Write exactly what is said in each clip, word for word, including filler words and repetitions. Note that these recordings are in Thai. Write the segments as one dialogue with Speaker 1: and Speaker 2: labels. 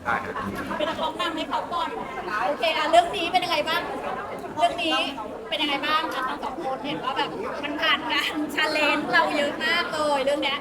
Speaker 1: ได้ครับ
Speaker 2: เป็นนักร้องนำให้เขาก่อนโอเคอ่ะเรื่องนี้เป็นยังไงบ้างเรื่องนี้เป็นยังไงบ้างคะทั้งสองคนเห็นว่าแบบมันผ่านการชาเลนจ์เราเยอะมากเลยเรื่องเนี้ย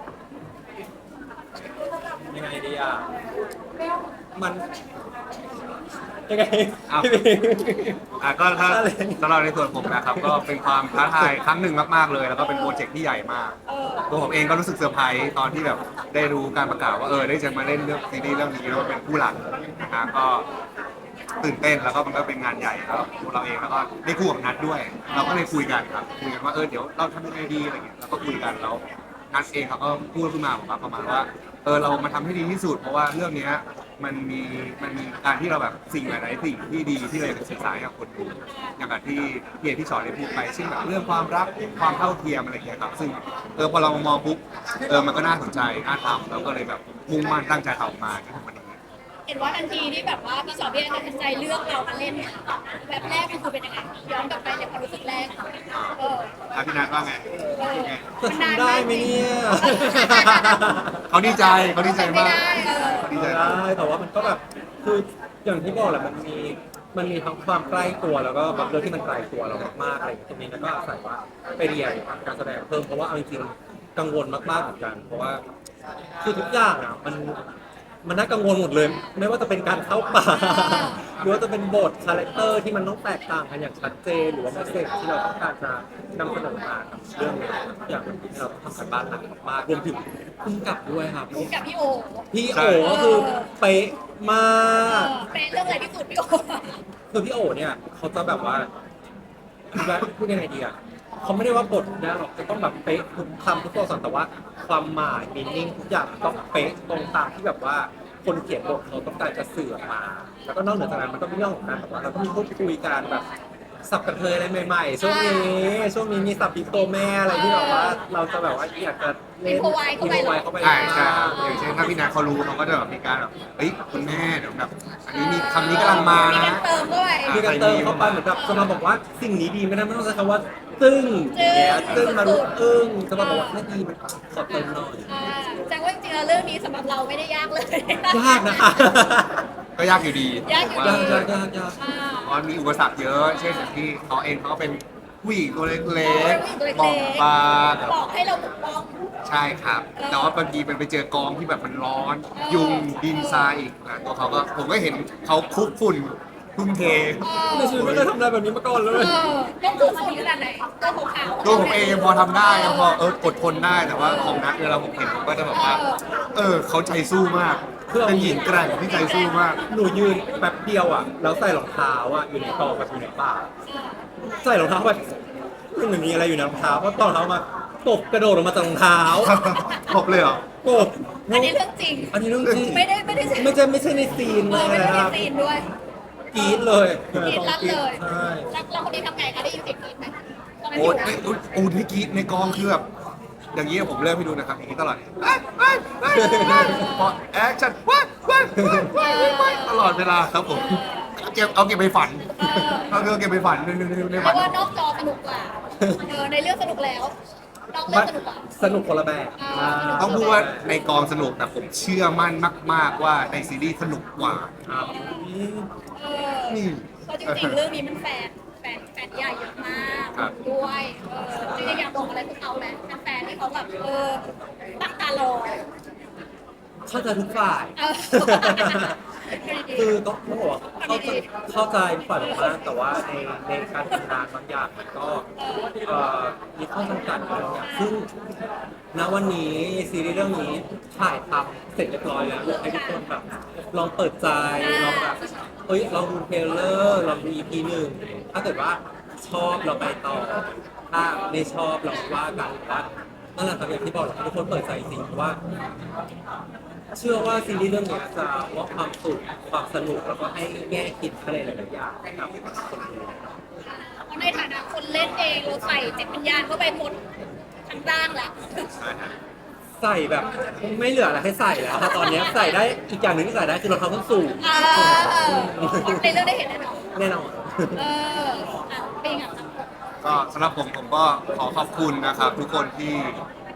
Speaker 3: ยังไงดีอ่ะมันยังไง
Speaker 1: เอาอ่ะก็ถ้าสำหรับในส่วนผมนะครับก็เป็นความท้าทายครั้งหนึ่งมากๆเลย แล้วก็เป็นโปรเจกต์ที่ใหญ่มากตัวผมเองก็รู้สึกเซอร์ไพรส์ตอนที่แบบได้รู้การประกาศว่าเออได้จะมาเล่นเรื่องซีรีส์เรื่องนี้แล้วก็เป็นผู้หลักนะฮะก็ตื่นเต้นแล้วก็มันก็เป็นงานใหญ่แล้วตัวเราเองแล้วก็ได้คู่กับนัดด้วย เราก็เลยคุยกันครับคุยกันว่าเออเดี๋ยวเราทำยังไงดีอะไรเงี้ยเราก็คุยกันแล้วนัดเองเขาก็พูดขึ้นมาบอกว่าประมาณว่าเออเรามาทำให้ดีที่สุดเพราะว่าเรื่องเนี้ยมันมีมันมีการที่เราแบบสิ่งหลายๆสิ่งที่ดีที่เราอยากจะสื่อสารกับคนดูอย่างกับที่พี่เอที่สอนได้พูดไปเช่นแบบเรื่องความรักความเท่าเทียมอะไรอย่างเงี้ยครับซึ่งเออพอเรามองปุ๊บเออมันก็น่าสนใจน่าทำเราก็เลยแบบมุ่งมั่นตั้งใจทำออกมาจนถึงวันนี้
Speaker 2: เห็นว่าทันทีที่แบบว่าพี่สอนพี่แอนตัดสินใจเลือกเรามาเล่นเนี่ยแบบแรกมันคือเป็นยังไงย้อนกลับไปในความรู้สึกแรกเออ
Speaker 1: อ่ะพี่นัทว่าไง
Speaker 2: เออ
Speaker 1: ไง
Speaker 3: จะทำได้ไหมเนี่ย
Speaker 1: เขาดีใจเขาดีใจ
Speaker 2: ไม่
Speaker 1: มาก
Speaker 2: ได้เออ
Speaker 1: เขาดีใจ
Speaker 3: ได้
Speaker 1: มาก
Speaker 3: แต่ว่ามันก็แบบคืออย่างที่บอกแหละมันมีมันมีทั้งความใกล้ตัวแล้วก็บางเรื่องที่มันไกลตัวเรามากๆอะไรอย่างเงี้ยตรงนี้แล้วก็อาศัยว่าไปเรียนการแสดงเพิ่มเพราะว่าเอาจริงๆกังวลมากๆเหมือนกัน เพราะว่าคือทุกอย่างอ่ะมันมันน่ากังวลหมดเลย ไม่ว่าจะเป็นการเข้าป่า หรือว่าจะเป็นบทคาแรคเตอร์ที่มันต้องแตกต่างกันอย่างชัดเจนหรือว่าเมสเซจที่เราต้องการจะนำเสนอมากับเรื่องนี้ทุกอย่างมันที่เราต้องทำกันบ้านหนักมากรวมถึงพุ่งกับด้วยครับ
Speaker 2: กับพี่โอ
Speaker 3: พี่โอก็คือเป๊ะมา
Speaker 2: เอก อเป็นเรื่องอะไรที่สุดพี่โอ
Speaker 3: คือพี่โอเนี่ยเขาจะแบบว่าพูดยังไงดีอ่ะเขาไม่ได้ว่าบทนะหรอกจะต้องแบบเป๊ะทุกคำทุกตัวอักษรแต่ว่าความหมายมีนิ่งทุกอย่างต้องเป๊ะตรงตามที่แบบว่าคนเขียนบทเขาต้องการจะสื่อออกมา แล้วก็นอกเหนือจากนั้นมันก็มีเรื่องของการแบบว่าเราก็มีพูดคุยกันแบบสับกระเทยอะไรใหม่ๆช่วงนี้ช่วงนี้มีสับปีโตแม่อะไรที่แบบว่าเราจะแบบว่าอยากจะเล่น
Speaker 2: improvise เข้าไปเหรอ
Speaker 3: เข้าไป
Speaker 1: ใช่ใช่ครับอย่างเช่นถ้าพี่นัทเขารู้เขาก็จะแบบมีการแบบเฮ้ยคุณแม่เดี๋ยวแบบอันนี้มีคำนี้กำลังมา
Speaker 2: มี
Speaker 1: นะ
Speaker 2: การเติมด้วย
Speaker 3: มีการเติมเข้าไปเหมือนกับจะมาบอกว่าสิ่งนี้ดีไม่ได้ไม่ต้องใช้คำว่าตึ้งอย่างเงี้ยตึ้งมารู้อึ้งจะมาบอกว่าไม่ดีมันขอเติมหน่อย
Speaker 2: อ่าแสดงว่าจริงๆแล้วเรื่องนี้สำหรับเราไม่ได้ยากเลย
Speaker 3: ยากนะคะ
Speaker 1: ก็ยากอยู่ดี
Speaker 2: ยากอยู่
Speaker 1: ผม
Speaker 2: ดี
Speaker 1: ว่
Speaker 3: ยากยากยากยาก
Speaker 2: อ่า
Speaker 1: เพราะมีอุปสรรคเยอะ เช่นอย่างที่เขาเองเขาก็เป็นผู้หญิงตัวเล็ก
Speaker 2: ผู้หญิงตัวเล็ก
Speaker 1: ๆ
Speaker 2: ๆ
Speaker 1: บองบาง
Speaker 2: บอกให้เราปกป้อง
Speaker 1: ใช่ครับ แต่ว่าบางทีมันไปเจอกองที่แบบมันร้อน ยุงดินทรายอีกนะตัวเขาก็ผมก็เห็นเขาคลุกฝุ่นทุ่มเท
Speaker 3: ในชีวิตไม่เคยทำอะไรแบบนี้มาก่อนเล
Speaker 2: เอย อต้องถูกฝุ่นขนาดไหนตัวขาวๆ
Speaker 1: ตัวผมเองยังพอทำได้ยังพอเอออดทนได้แต่ว่าของนักเวลาผมเห็นผมก็จะแบบว่า เออเขาใจสู้มากเป็นหญิงแกร่งที่ใจสู้มาก
Speaker 3: หนูยืนแป๊บเดียวอ่ะแล้วใส่รองเท้าอ่ะอยู่ในกองแบบอยู่ในป่าใส่รองเท้าแบบมันเหมือนมีอะไรอยู่ในรองเท้าเพราะตอนรองเท้ามาตบกระโดดออกมาจากรองเท้า
Speaker 1: ครบเลยเหรอ
Speaker 3: ตบ
Speaker 2: อันนี้เรื่องจริง
Speaker 3: อันนี้เรื่องจริง
Speaker 2: ไม่ได้ไม่ได้
Speaker 3: ไม่ใช่ไม่ใช่ในซีน
Speaker 2: เออไม่ได้
Speaker 3: นะค
Speaker 2: มี
Speaker 3: รับ
Speaker 2: ซีนด้วย
Speaker 3: กรี๊ดเลย
Speaker 2: กรีดลั่นเลย
Speaker 3: ใช่
Speaker 2: แล้วเราคนนี้ทำไงคะได้ยินเสียงกรีดไหมตอนนั้น
Speaker 1: โอ้
Speaker 2: อยู่
Speaker 1: ยไอ้อุ๊ยโอ้ที่กรีดในกองคือแบบอย่างนี้ผมเริ่มให้ดูนะครับอย่างนี้ตลอดเอ้ยเอ้ยเอ้ยเอ้ยพอแอคชั่นว้ายว้ายว้ายว้ายว้ายตลอดเวลาครับผมเก็บเอาเก็บไปฝันเอาเก็บไปฝันในในในใน
Speaker 2: เพ
Speaker 1: ฝัน
Speaker 2: ราะว่านอกจอสนุกกว่าเออในเรื่องสนุกแล้วนอกเรื่องสนุกกว่า
Speaker 3: สนุกคนละแบบ
Speaker 2: อ่า
Speaker 1: ต้องพูดว่าในกองสนุกแต่ผมเชื่อมั่นมาก ๆว่าในซีรีส์สนุกกว่า
Speaker 3: ครับ
Speaker 2: เออ
Speaker 1: นี่
Speaker 2: เพราะจริงๆเรื่องนี้มันแฟนแฟนแฟนใหญ่เยอะมาก
Speaker 1: ครับ
Speaker 2: ด้วยเออจริงๆอยากบอกอะไรพวกเขาไหมแฟนๆที่เขาแบบเออตั้งตารอ
Speaker 3: เข้าใจทุกฝ่าย
Speaker 2: เออ
Speaker 3: คือต้องต้องบอกว่าเข้าใจเข้าใจฝ่ายมากแต่ว่าในในการทำงานบางอย่างมันก็เอ่อมีข้อจำกัดบางอย่างซึ่งณวันนี้ซีรีส์เรื่องนี้ถ่ายทำเสร็จเรียบร้อยแล้วอยากให้ทุกคนแบบลองเปิดใจลองแบบเฮ้ยลองดูเทรลเลอร์ลองดู อี พี หนึ่งถ้าเกิดว่าชอบเราไปต่อถ้าไม่ชอบเราว่ากันว่านั่นแหละครับอย่างที่บอกเราทุกคนเปิดใจจริงเพราะว่า เชื่อว่าซีรีส์เรื่องนี้จะมอบความสุขความสนุกแล้วก็ให้แง่คิดอะไรหลายๆอย่างให้กับคนดู
Speaker 2: เพราะในฐานะคนเล่นเองเราใส่จิตวิญญาณเข้าไปหมดทั้งร่างแล้ว
Speaker 3: ใส่แบบไม่เหลืออะไรให้ใส่แล้วถ้าตอนนี้ใส่ได้อีกอย่างหนึ่งที่ใส่ได้คือรองเท้าส้นสูง
Speaker 2: เออในเรื่องได้เห็นแน่นอน
Speaker 3: แน่นอน
Speaker 2: เอออ่ะเป็นไงครับ
Speaker 1: ก็สำหรับผมผมก็ขอขอบคุณนะครับ ทุกคนที่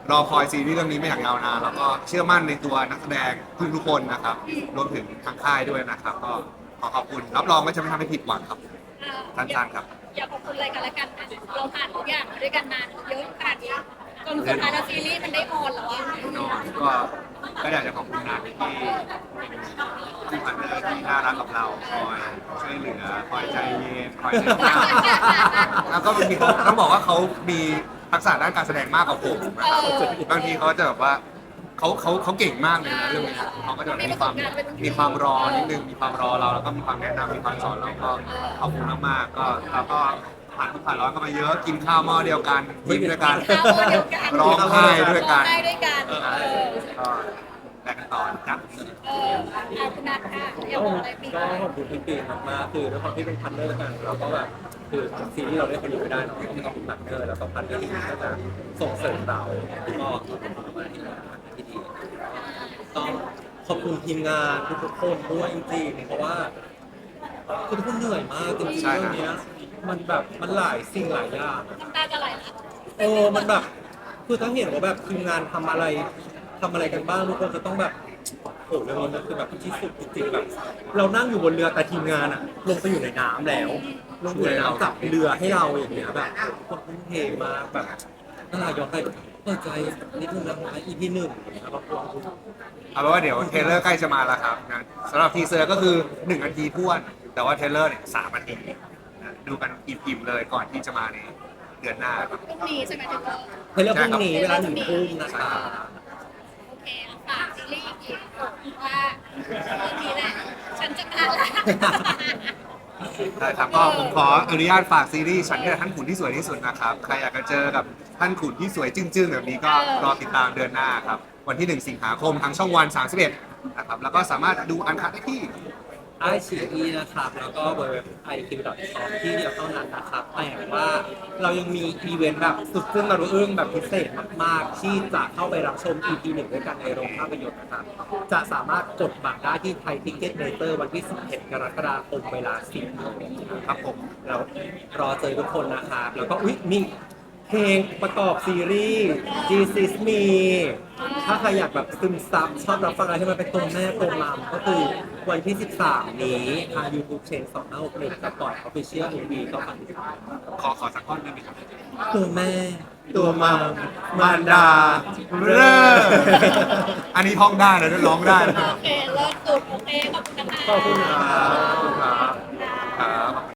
Speaker 1: รอคอยซีรีส์เรื่องนี้มาอย่างยาวนานแล้วก็เชื่อมั่นในตัวนักแสดงทุกๆคนนะครับรวมถึงทางค่ายด้วยนะครับ ก็ขอขอบคุณรับรองว่าจะไม่ทำให้ผิดหวังครับ สั้นๆครับ
Speaker 2: อยากขอบคุณอะไรกันและกันนะเราผ่านทุกอย่างมาด้วยกันนานเยอะขนาดนี้จนสุดท้ายแล้วซีรีส์มันได้ออนแล้วอะ
Speaker 1: แน่นอนก็ก็อยากจะขอบคุณนัทที่ที่พันเนอร์ที่น่ารักกับเราคอยช่วยเหลือคอยใจเย็นคอยเดินหน้าแล้วก็บางทีเขาต้องบอกว่าเขามีทักษะด้านการแสดงมากกว่าผมนะครับบางทีเขาจะแบบว่าเขาเขาเขาเก่งมากเลยนะเรื่องนี้เขาก็จะมีความมีความรอนิดนึงมีความรอเราแล้วก็มีความแนะนำมีความสอนเราก็ขอบคุณมากๆก็เราก็ผ่านทุกข์ผ่านร้อนกันมาเยอะกินข้าวหม้อเดียวกันยิ้มด้วยกัน
Speaker 2: ข้าวหม้อเดียวกัน
Speaker 1: ร้องไห้ด้วยกัน
Speaker 2: ร้องไห้ด้วยกัน
Speaker 1: เออ
Speaker 2: เออ
Speaker 1: ก็แลกกันต่อนะครับ
Speaker 2: เออเอาคุณนัทค่ะอยาก
Speaker 3: ก็
Speaker 2: บอกอะไรปี
Speaker 3: ก็ขอบคุณพี่ปีมากๆคือด้วยความที่เป็นพันเนอร์กันเราก็แบบคือซีรีส์เราได้คนอยู่ไม่ได้เนาะต้องมีพันเนอร์แล้วก็พันเนอร์ที่ดีก็จะส่งเสริมเราก็ขอบคุณมากๆที่ทำงานที่ดีต้องขอบคุณทีมงานทุกๆคนด้วยจริงๆเพราะว่าคือทุกคนเหนื่อยมากจริงๆ
Speaker 1: ใช่
Speaker 3: เรื่
Speaker 1: ค
Speaker 3: อ
Speaker 1: รับ
Speaker 3: งเนี้ยมันแบบมันหลายสิ่งหลายอย่าง
Speaker 2: น้ำตาจะไหลละ
Speaker 3: โอ้มันแบบคือถ้าเห็นว่าแบบทีมงานทำอะไรทำอะไรกันบ้างทุกคนจะต้องแบบโอ้เรื่องนี้มันคือแบบที่สุดจริงๆแบบ เรานั่งอยู่บนเรือแต่ทีมงานอะลงไปอยู่ในน้ำแล้ว ลงอยู่ในน้ำจับเรือให้เราอย่างเงี้ยแบบคนทุ่มเทมาแบบน่าย้อนไปเปิดใจนิดนึงนะคะ อี พี หนึ่งนะครับผม
Speaker 1: เอาเป็นว่าเดี๋ยวเทรลเลอร์ใกล้จะมาแล้วครับนะสำหรับทีเซอร์ก็คือหนึ่งนาทีท้วน แต่ว่าเทรลเลอร์เนี่ยสามนาทีนะดูกันอิ่มๆเลยก่อนที่จะมาในเดือนหน้าครับ
Speaker 2: พรุ่งนี้ใช่ไหมถึงว่า
Speaker 3: เฮ้ยแล้วพรุ่งนี้เวลาหนึ่งทุ่มนะคะ
Speaker 2: โอเคอ่ะฝากซีรีส์อีกทีว่าเรื่องนี้แหละฉันจะมาละ
Speaker 1: ได้ครับก็ผมขออนุญาตฝากซีรีส์ฉันนี่แหละท่านขุนที่สวยที่สุดนะครับ ใครอยากจะเจอกับท่านขุนที่สวยจึ้งๆแบบนี้ก็รอติดตามเดือนหน้าครับ วันที่หนึ่งสิงหาคมทางช่องวันสามสิบเอ็ดนะครับแล้วก็สามารถดูอันคัดได้ที่
Speaker 3: ไอชีอีนะครับ แล้วก็เว็บ ไอ คิว ดอท คอม ที่เดียวเท่านั้นนะครับแต่ว่าเรายังมีอีเวนต์แบบสุดซึ่งเราอึ้งแบบพิเศษมากๆ ที่จะเข้าไปรับชม อี พี หนึ่งด้วยกันในโรงภาพยนตร์นะครับ จะสามารถกดบัตรได้ที่ไทยทิกเก็ตเมเตอร์วันที่ สิบเอ็ด กรกฎาคมเวลา สิบโมง
Speaker 1: ครับผม
Speaker 3: เรารอเจอทุกคนนะครับแล้วก็อุ๊ยมีเพลงประกอบซีรีส์ Jesus Me ถ้าใครอยากแบบซึมซับชอบรับฟังอะไรที่มันเป็นตัวแม่ตัวมามก็คือวันที่ สิบสาม นี้ทาง YouTube Change สองห้าหกหนึ่งจะปล่อย Official เอ็ม วี ก็ฝากติดตาม
Speaker 1: ขอขอสักท่อนได้ไหมครับ
Speaker 3: ตัวแม่
Speaker 1: ตัวมามมารดาเร่ออันนี้ท่องได้นะร้องได้นะ
Speaker 2: โอเคเลิศสุดโอเคขอบคุณนะคะ
Speaker 3: ขอบคุณครับ
Speaker 1: ขอบคุณครับครับ